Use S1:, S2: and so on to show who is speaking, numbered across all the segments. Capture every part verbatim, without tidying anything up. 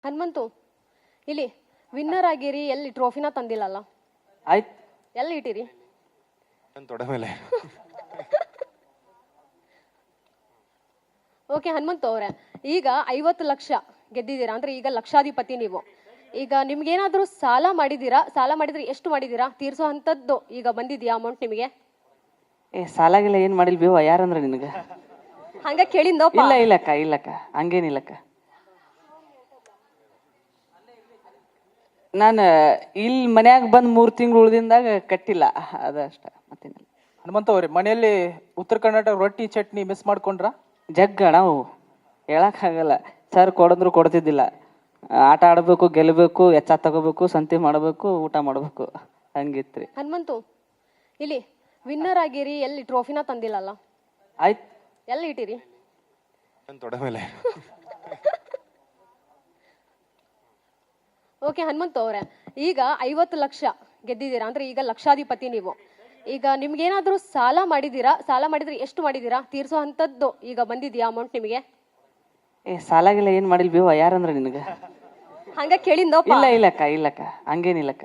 S1: ಹನುಮಂತು ಇಲ್ಲಿ ವಿನ್ನರ್ ಆಗಿರಿ, ಎಲ್ಲಿ ಟ್ರೋಫಿನ ತಂದಿಲ್ಲಲ್ಲ?
S2: ಆಯ್ತು,
S1: ಎಲ್ಲಿ ಇಟ್ಟಿರಿ?
S3: ನನ್ನ ತೊಡೆ ಮೇಲೆ.
S1: ಓಕೆ ಹನುಮಂತು ಅವರೇ, ಈಗ ಐವತ್ತು ಲಕ್ಷ ಗೆದ್ದಿದ್ದೀರಾ ಅಂದ್ರೆ ಈಗ ಲಕ್ಷಾಧಿಪತಿ ನೀವು. ಈಗ ನಿಮ್ಗೇನಾದ್ರೂ ಸಾಲ ಮಾಡಿದೀರಾ? ಸಾಲ ಮಾಡಿದ್ರೆ ಎಷ್ಟು ಮಾಡಿದೀರಾ? ತೀರ್ಸೋ ಅಂತದ್ದು ಈಗ ಬಂದಿದ್ಯಾ ಅಮೌಂಟ್ ನಿಮಗೆ?
S2: ಏ ಸಾಲಾಗಿಲ್ಲ ಏನ್ ಮಾಡಿಲ್ ಬೇವ, ಯಾರಂದ್ರ ನಿನಗ?
S1: ಹಂಗ ಕೇಳಿಂದಪ್ಪ.
S2: ಇಲ್ಲ ಇಲ್ಲಕ್ಕ ಇಲ್ಲಕ್ಕ ಹಂಗೇನಿಲ್ಲಕ್ಕ. ನಾನು ಇಲ್ಲಿ ಮನ್ಯಾಗ ಬಂದ್ ಮೂರ್ ತಿಂಗಳು ಉಳ್ದಿಂದಾಗ ಕಟ್ಟಿಲ್ಲ, ಅದಷ್ಟ ಮತ್ತೇನಿಲ್ಲ.
S4: ಹನುಮಂತ ಅವ್ರೆ, ಮನೆಯಲ್ಲಿ ಉತ್ತರ ಕರ್ನಾಟಕ ರೊಟ್ಟಿ ಚಟ್ನಿ ಮಿಸ್ ಮಾಡ್ಕೊಂಡ್ರ?
S2: ಜಗ್ಗ ನಾವು ಹೇಳಕ್ ಆಗಲ್ಲ. ಸರ್ ಕೊಡಂದ್ರು ಕೊಡ್ತಿದ್ದಿಲ್ಲ. ಆಟ ಆಡ್ಬೇಕು, ಗೆಲ್ಲಬೇಕು, ಎಚ್ಚ ತಗೋಬೇಕು, ಸಂತೆ ಮಾಡಬೇಕು, ಊಟ ಮಾಡ್ಬೇಕು, ಹಂಗಿತ್ರಿ.
S1: ಹನುಮಂತು ಇಲ್ಲಿ ವಿನ್ನರ್ ಆಗಿರಿ, ಎಲ್ಲಿ ಟ್ರೋಫಿನ ತಂದಿಲ್ಲಲ್ಲ?
S2: ಆಯ್ತು,
S1: ಎಲ್ಲಿ ಇಟ್ಟಿರಿ?
S3: ನನ್ನ ತೊಡೆ ಮೇಲೆ.
S1: ಓಕೆ ಹನುಮಂತು ಅವರೇ, ಈಗ ಐವತ್ತು ಲಕ್ಷ ಗೆದ್ದಿದ್ದೀರಾ ಅಂದ್ರೆ ಈಗ ಲಕ್ಷಾಧಿಪತಿ ನೀವು. ಈಗ ನಿಮ್ಗೇನಾದ್ರೂ ಸಾಲ ಮಾಡಿದೀರಾ? ಸಾಲ ಮಾಡಿದ್ರೆ ಎಷ್ಟು ಮಾಡಿದೀರಾ? ತೀರ್ಸೋ ಅಂತದ್ದು ಈಗ ಬಂದಿದ್ಯಾ ಅಮೌಂಟ್ ನಿಮಗೆ?
S2: ಏ ಸಾಲಾಗಿಲ್ಲ ಏನ್ ಮಾಡಿಲ್ ಬೇವ, ಯಾರಂದ್ರ ನಿನಗ?
S1: ಹಂಗ ಕೇಳಿಂದಪ್ಪ.
S2: ಇಲ್ಲ ಇಲ್ಲಕ್ಕ ಇಲ್ಲಕ್ಕ ಹಂಗೇನಿಲ್ಲಕ್ಕ.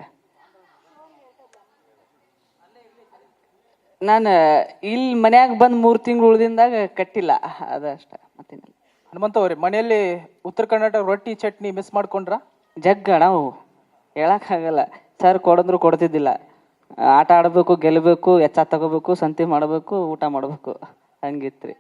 S2: ನಾನು ಇಲ್ಲಿ ಮನ್ಯಾಗ ಬಂದ್ ಮೂರ್ ತಿಂಗಳು ಉಳ್ದಿಂದಾಗ ಕಟ್ಟಿಲ್ಲ, ಅದಷ್ಟ ಮತ್ತೇನಿಲ್ಲ.
S4: ಹನುಮಂತ ಅವ್ರೆ, ಮನೆಯಲ್ಲಿ ಉತ್ತರ ಕರ್ನಾಟಕ ರೊಟ್ಟಿ ಚಟ್ನಿ ಮಿಸ್ ಮಾಡ್ಕೊಂಡ್ರ?
S2: ಜಗ್ಗ ನಾವು ಹೇಳಕ್ ಆಗಲ್ಲ. ಸರ್ ಕೊಡಂದ್ರು ಕೊಡ್ತಿದ್ದಿಲ್ಲ. ಆಟ ಆಡ್ಬೇಕು, ಗೆಲ್ಲಬೇಕು, ಎಚ್ಚ ತಗೋಬೇಕು, ಸಂತೆ ಮಾಡಬೇಕು, ಊಟ ಮಾಡ್ಬೇಕು, ಹಂಗಿತ್ರಿ.